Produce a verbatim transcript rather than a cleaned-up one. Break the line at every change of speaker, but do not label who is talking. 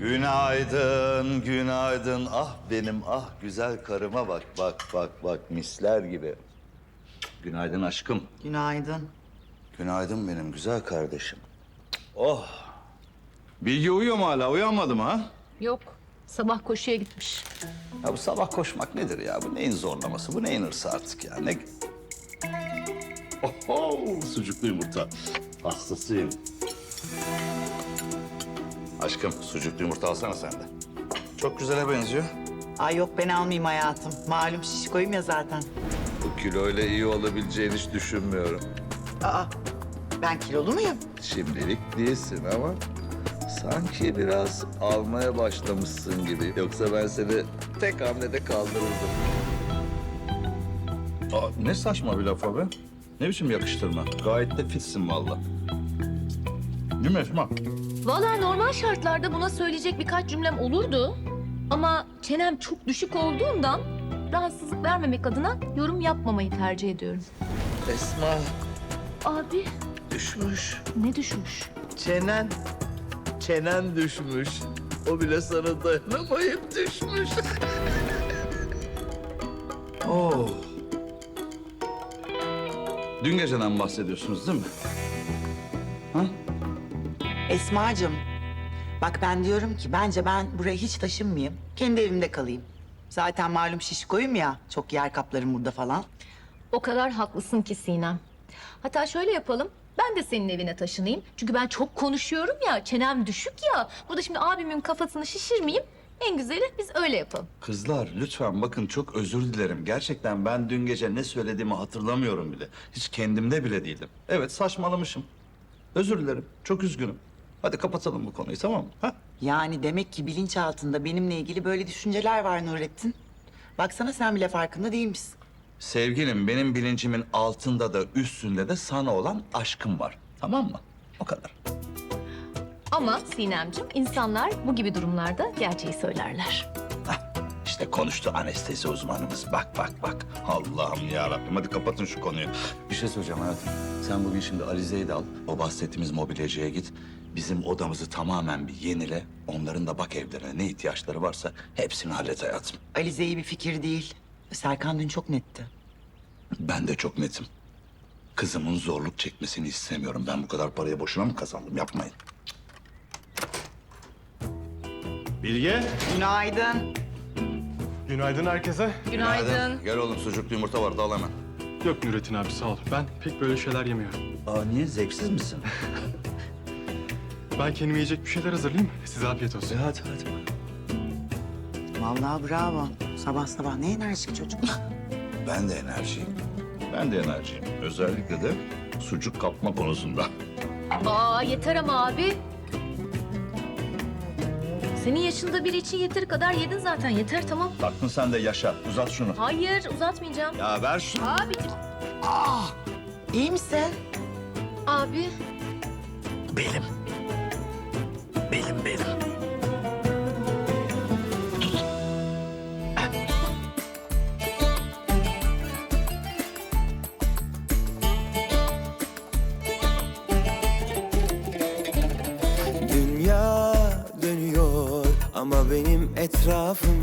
Günaydın, günaydın. Ah benim, ah güzel karıma bak, bak, bak, bak. Misler gibi. Günaydın aşkım.
Günaydın.
Günaydın benim güzel kardeşim. Oh. Bilge uyuyor mu hala? Uyanmadı mı ha?
Yok. Sabah koşuya gitmiş.
Ya bu sabah koşmak nedir ya? Bu neyin zorlaması? Bu neyin hırsı artık ya? Ne... Oho, sucuklu yumurta. Hastasıyım. Aşkım, sucuklu yumurta alsana sen de. Çok güzele benziyor.
Ay yok ben almayayım hayatım. Malum şişkoyum ya zaten.
Bu kiloyla iyi olabileceğini hiç düşünmüyorum.
Aa ben kilolu muyum?
Şimdilik değilsin ama sanki biraz almaya başlamışsın gibi. Yoksa ben seni tek hamlede kaldırırdım. Aa, ne saçma bir laf o be. Ne biçim yakıştırma? Gayet de fitsin vallahi. Değil mi Esma?
Vallahi normal şartlarda buna söyleyecek birkaç cümlem olurdu. Ama çenem çok düşük olduğundan rahatsızlık vermemek adına yorum yapmamayı tercih ediyorum.
Esma
Abi
düşmüş.
ne düşmüş?
Çenen, çenen düşmüş. O bile sana dayanamayıp düşmüş. Oh. Dün geceden bahsediyorsunuz değil mi? Ha?
Esma'cığım bak ben diyorum ki bence ben buraya hiç taşınmayayım. Kendi evimde kalayım. Zaten malum şişkoyum ya. Çok yer kaplarım burada falan.
O kadar haklısın ki Sinem. Hatta şöyle yapalım. Ben de senin evine taşınayım. Çünkü ben çok konuşuyorum ya, çenem düşük ya. Burada şimdi abimin kafasını şişirmeyeyim. En güzeli biz öyle yapalım.
Kızlar lütfen bakın çok özür dilerim. Gerçekten ben dün gece ne söylediğimi hatırlamıyorum bile. Hiç kendimde bile değildim. Evet saçmalamışım. Özür dilerim. Çok üzgünüm. Hadi kapatalım bu konuyu tamam mı? Ha?
Yani demek ki bilinçaltında benimle ilgili böyle düşünceler var Nurettin. Baksana sen bile farkında değilmişsin.
Sevgilim benim bilincimin altında da üstünde de sana olan aşkım var. Tamam mı? O kadar.
Ama Sinemciğim, insanlar bu gibi durumlarda gerçeği söylerler.
İşte konuştu anestezi uzmanımız. Bak bak bak. Allah'ım ya Rabbim. Hadi kapatın şu konuyu. Bir şey söyleyeceğim hayatım. Sen bugün şimdi Alize'yi de al. O bahsettiğimiz mobilyacıya git. Bizim odamızı tamamen bir yenile. Onların da bak evlerine ne ihtiyaçları varsa hepsini hallet hayatım.
Alize iyi bir fikir değil. Serkan dün çok netti.
Ben de çok netim. Kızımın zorluk çekmesini istemiyorum. Ben bu kadar parayı boşuna mı kazandım? Yapmayın.
Bilge,
Günaydın.
günaydın herkese.
Günaydın.
Gel oğlum sucuklu yumurta var da al hemen.
Yok Nurettin abi sağ ol. Ben pek böyle şeyler yemiyorum.
Aa niye? Zevksiz misin?
Ben kendime yiyecek bir şeyler hazırlayayım. Size afiyet olsun.
hadi hadi.
Vallahi bravo. Sabah sabah ne enerjik çocuk.
Ben de enerjiyim. Ben de enerjiyim. Özellikle de sucuk kapma konusunda.
Aa yeter ama abi. Senin yaşında biri için yeteri kadar yedin zaten. Yeter tamam.
Taktın sen de yaşa. Uzat şunu.
Hayır uzatmayacağım.
Ya ver şunu.
Abi.
Ah, iyi misin?
Abi.
Belim. Belim belim.
Dünya dönüyor ama benim etrafım